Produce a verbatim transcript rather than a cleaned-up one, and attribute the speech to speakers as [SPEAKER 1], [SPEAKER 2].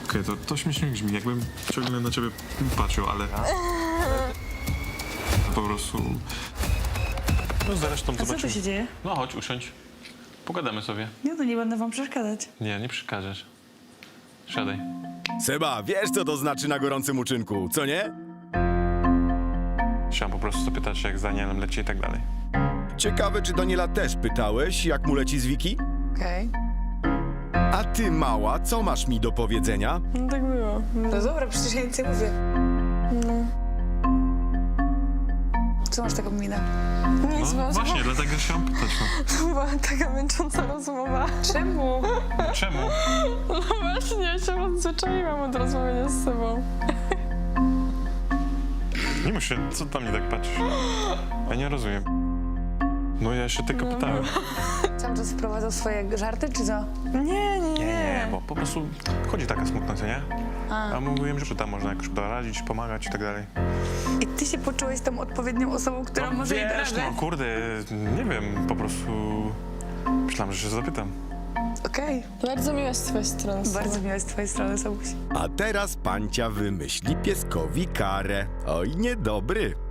[SPEAKER 1] Okej, to, to śmiesznie brzmi, jakbym ciągle na ciebie patrzył, ale... Po prostu...
[SPEAKER 2] No zresztą
[SPEAKER 3] A co tu
[SPEAKER 2] zobaczymy.
[SPEAKER 3] się dzieje?
[SPEAKER 2] No chodź, usiądź. Pogadamy sobie.
[SPEAKER 3] Nie, to nie będę wam przeszkadzać.
[SPEAKER 2] Nie, nie przeszkadzasz. Siadaj.
[SPEAKER 4] Seba, wiesz co to znaczy na gorącym uczynku, co nie?
[SPEAKER 2] Chciałem po prostu zapytać, jak z Danielem leci i tak dalej.
[SPEAKER 4] Ciekawe, czy Daniela też pytałeś, jak mu leci z Wiki?
[SPEAKER 5] Okej.
[SPEAKER 4] A ty, mała, co masz mi do powiedzenia?
[SPEAKER 3] No tak było.
[SPEAKER 5] No dobra, przecież ja nic nie mówię. Co masz taką minę?
[SPEAKER 3] Nic,
[SPEAKER 2] No
[SPEAKER 3] bo
[SPEAKER 2] właśnie, dlatego chciałem pytać.
[SPEAKER 3] to była taka męcząca rozmowa.
[SPEAKER 5] Czemu?
[SPEAKER 2] No. Czemu?
[SPEAKER 3] No właśnie, ja się odzwyczaiłam od rozmawiania z sobą.
[SPEAKER 2] Nie muszę, co tam mnie tak patrzysz? Ja nie rozumiem. No ja się tylko pytałem.
[SPEAKER 5] Cały czas wprowadzał swoje żarty, czy co?
[SPEAKER 3] Nie, nie,
[SPEAKER 2] Nie,
[SPEAKER 3] nie.
[SPEAKER 2] nie, bo po prostu chodzi taka smutna, co nie?
[SPEAKER 5] A.
[SPEAKER 2] A mówiłem, że tam można jakoś doradzić, pomagać i tak dalej.
[SPEAKER 5] I ty się poczułeś tą odpowiednią osobą, która może jej
[SPEAKER 2] wiesz,
[SPEAKER 5] doradzić?
[SPEAKER 2] no kurde, nie wiem, po prostu myślałem, że się zapytam.
[SPEAKER 5] Okej.
[SPEAKER 3] Bardzo miłe z twojej strony.
[SPEAKER 5] Bardzo miłe z twojej strony, Sabuś.
[SPEAKER 4] A teraz pancia wymyśli pieskowi karę. Oj, niedobry.